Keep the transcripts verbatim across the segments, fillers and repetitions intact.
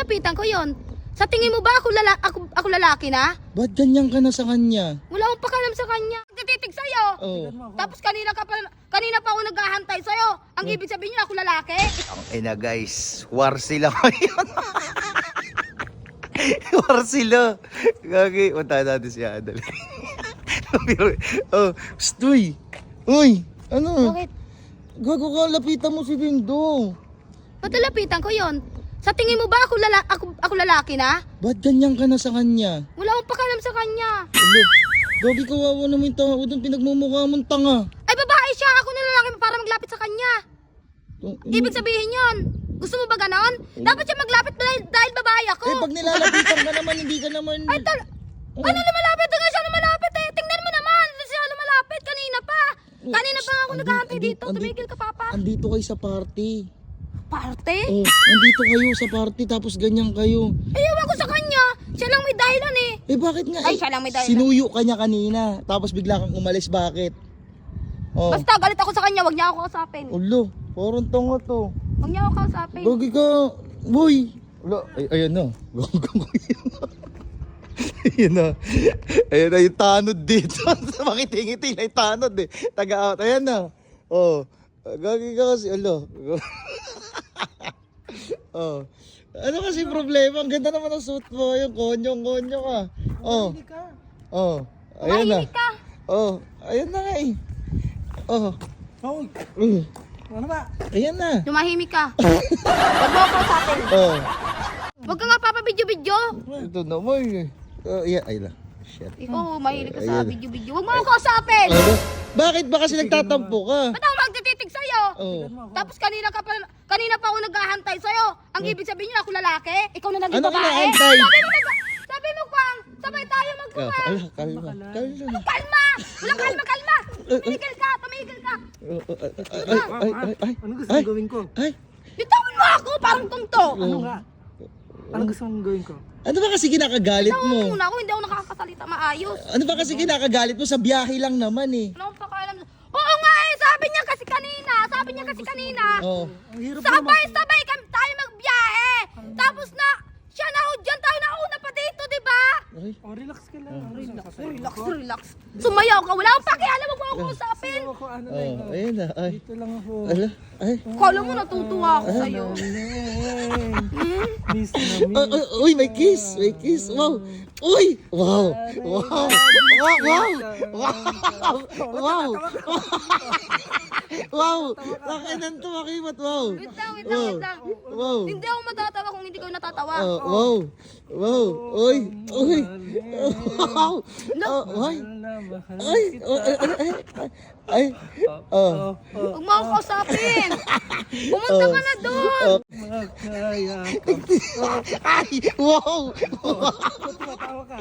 nilapitan ko yon. Sa tingin mo ba ako, lala ako, ako lalaki na? Ba't ganyan ka na sa kanya? Wala akong pakalam sa kanya. Nagtititig sa'yo. Oh. Tapos kanina, ka pa, kanina pa ako naghahantay sa'yo. Ang ibig sabihin niya, ako lalaki? Ang ina guys, war sila ngayon. War sila. Gagi, punta natin siya. Dali. Oh, psst, uy. Uy, ano? Bakit? Gago ka, lapitan mo si Dingdong. Ba't nilapitan ko yon? Sa tingin mo ba ako, lala ako, ako lalaki na? Ba't ganyan ka na sa kanya? Wala akong pakalam sa kanya. Ano? Gagi, kawawa naman yung tao doon, pinagmumukha mong tanga. Ay, babae siya. Ako na lalaki para maglapit sa kanya. Ibig sabihin yon. Gusto mo ba ganon? Dapat siya maglapit dahil, dahil babae ako. Eh, pag nilalapitan ka naman, hindi ka naman... Ay, tal... Ano lumalapit? Hanggang siya lumalapit eh. Tingnan mo naman. Siya lumalapit. Kanina pa. Kanina pa nga ako Andi- naghahantay andi- dito. andi- Tumigil ka, Papa. Andito kayo sa party. Parte? Oh, andito kayo sa party, tapos ganyan kayo. Ay, ewan ko sa kanya. Siya lang may dahilan eh. Eh, bakit nga? Ay, Eh, siya lang may dahilan. sinuyo ka niya kanina, tapos bigla kang umalis. Bakit? Oh. Basta galit ako sa kanya. Huwag niya ako kausapin. Ulo, parang tonga to. Huwag niya ako kausapin. Gagi ka, boy. Ulo, ay, ayan na. Ayan na. Ayan na yung tanod dito. Makiti-ngiti na yung tanod eh. Taga-out. Ayan na. Oh. Gagi ka kasi, ulo. Oh. Ano kasi problema? Ang ganda naman ang suit mo. Yung konyong-konyo ka. Oh. Oh. Ayan na. Mahimik ka. Oh. Ayan na nga eh. Oh. Hoy, Mm. ano ba? Ayan na. Tumahimik ka. Huwag mo ako kausapin. Oh. Huwag ka nga papabidyo-bidyo. Ito naman eh. Oh, yeah. Ay lang. Shit. Ikaw, mahilig ka sa Ayan. video-video. Huwag mo ako kausapin. Ano? Bakit ba kasi nagtatampo ka? Ba't ako magtititig sa'yo? Oh. Tapos kanina ka pa, kanina pa ako naghahantay sa'yo. Ang ibig sabihin niya, ako lalaki? Ikaw na naging Ano babae? inaantay? Sabi mo, nag- sabi mo, Kwang, sabay tayo Oh, magkuha. ala, kalma. Kalma. Kalma! Walang kalma, kalma! Tumigil ka, tumigil ka. Oh, oh, ay, ay, ay, ay, ay, Ano gusto ay, mong gawin ko? ay. Bitawan mo ako, parang tungto. Ano nga? Ano gusto mong gawin ko? Ano ba kasi kinakagalit Bitawan mo mo? muna ako, hindi ako nakakasalita maayos. Ano ba kasi kinakagalit mo? Sa biyahe lang naman eh. Wala akong pakialam. Oo nga eh, sabi niya kasi kanina, sabi niya kasi kanina. Oh. Ang hirap naman. Sabay-sabay kami tayo magbiyahe. Tapos na, siya na ho dyan, tayo na una pa dito, di ba? Ay. Oh, relax ka lang. Relax. Relax, relax. Sumayaw ka, wala akong pakialam, wag mo ako usapin. Ako, ano lang. Oh, ayun na. Ay. Dito lang ako. Ala, ay. Kala mo natutuwa ako sa'yo. Hmm? Miss na Oh, miss. oh, uy, may kiss. May kiss. Wow. Uy. Wow. Wow. Wow. Wow. Wow. Wow. Wow. Nakinan to, makimat. Wow. Wait lang, wait lang, wait lang. Wow. Hindi ako matatawa kung hindi ko natatawa. Oh, wow. Wow. Uy. Uy. Wow. Oh, ay. Ay. Oh, ay. Ay. Ay. Oh. Huwag mo ako kausapin. Pumunta ka na doon. Oh. Makakaya. Ay. Wow. Ba't tumatawa ka?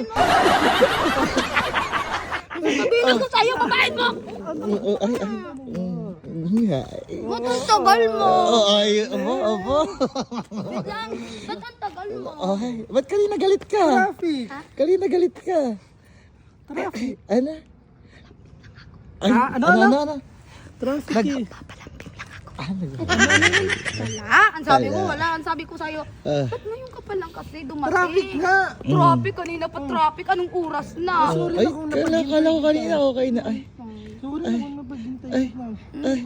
Sabihin ko sa'yo, babae mo. Oh, ay. Ay. Mm. Ay. Ba't ang tagal mo? Oh, ay. Abo, abo. Wait lang, ba't ang tagal mo? Ay. Ba't kanina galit ka? Traffic. Kanina galit ka. Traffic. Ano? Ay, Ah, ano, ano, ano? ano, ano? Traffic eh. Papalambing lang ako. Ah, nag- Wala, ang sabi ko, Wala. wala. Ang sabi ko sa'yo, Ah. ba't ngayon ka pa lang kasi dumating? Traffic nga. Traffic, kanina pa traffic. Anong oras na? Oh, ay, kala, kala ko kanina okay na. Ay, Sorry naman napaghintay ay, lang. ay.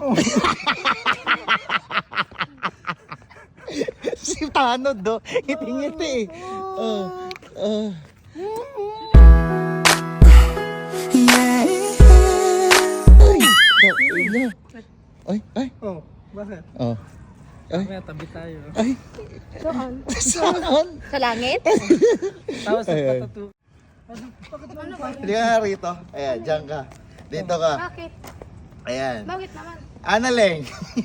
Si Tanod, do. Ngiti-ngiti eh. Oh, oh. Ay, ay, na. Ay, ay, Oh, bakit? oh. Ay, Kaya tabi tayo. ay. Saan? Saan? Sa langit? Tapos sa Ay, ay. patatu. Ano? Bakit naman ba? Hindi ka nga rito. Ayan, dyan ka. Dito ka. Bakit? Ayan. Bakit naman? Analeng.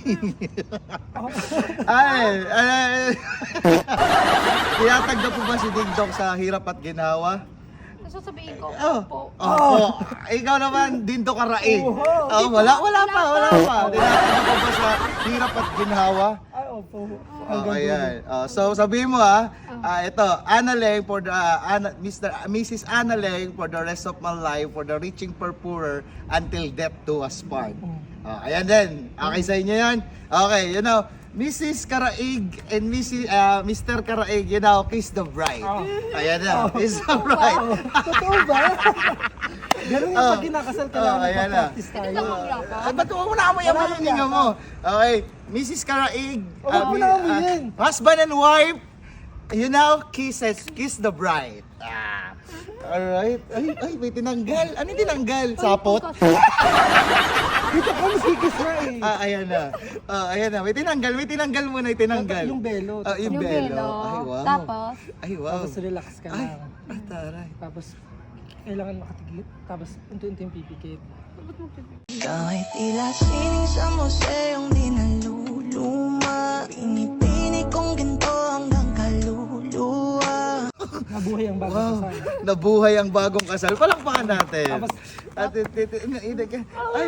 Ay, ay. Tinatagda po ba si Ding Dong sa hirap at ginawa? Sasabihin ko, Oh. opo. Oh. Ikaw naman, Dindo Karae. Oh, wala, wala pa, wala pa. Tinatagda po ba sa hirap at ginhawa? Ay, opo. Oh, ayan. Oh, so sabihin mo ha, ah, ito, Analeng for the uh, Ana, Mister Missus Analeng for the rest of my life, for the reaching for poorer until death do us part. Oh, ayan din. Okay sa inyo yan? Okay, you know, Missus Karaig and Missus uh, Mister Karaig, you know, kiss the bride. Oh. Ayan na, kiss the bride. Totoo ba? Ganun yung Oh. pag kinakasal ka Oh, lang, ayan na. magpa-practice tayo. Hindi ka maglapa. Ay, ba't mo na amoy amoy yung hininga mo? Okay, Missus Karaig, Oh, wag mo mi- na amoyin. husband and wife, you now kisses, kiss the bride. Ah. Alright. Ay, ay, may tinanggal. Ano yung tinanggal? Sapot? Dito ka masikis na eh. Ah, ayan na. Ah, ayan na. May tinanggal, may tinanggal muna, may tinanggal. Yung belo. Ah, yung Yung belo. belo. Ay, wow. Tapos? Ay, wow. Tapos relax ka Ay, lang. ah, taray. Tapos kailangan makatigil. Tapos unti-unti yung pipikit. Kahit tila sining sa museong di naluluma, pinipini kong ginto hanggang kaluluwa. Nabuhay ang bagong Wow, kasal. nabuhay ang bagong kasal. Palakpakan natin. Tapos- At, it, it, it, it, ay.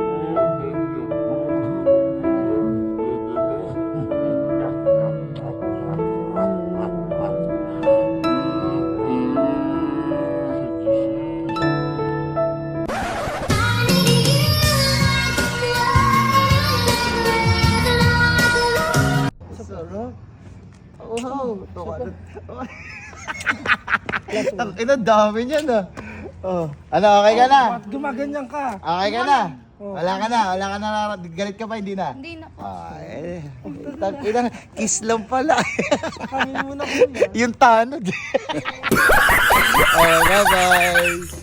Sarap. Wow. Ang ina, dami niyan ah. Oh. Ano, okay ka na? At gumaganyan ka. Okay ka na? Oh. Wala ka na, wala ka na, galit ka pa, hindi na? Hindi na. Ay, tang ina, kiss lang pala. Kami muna kuya. Yung tanod. Oh, bye-bye.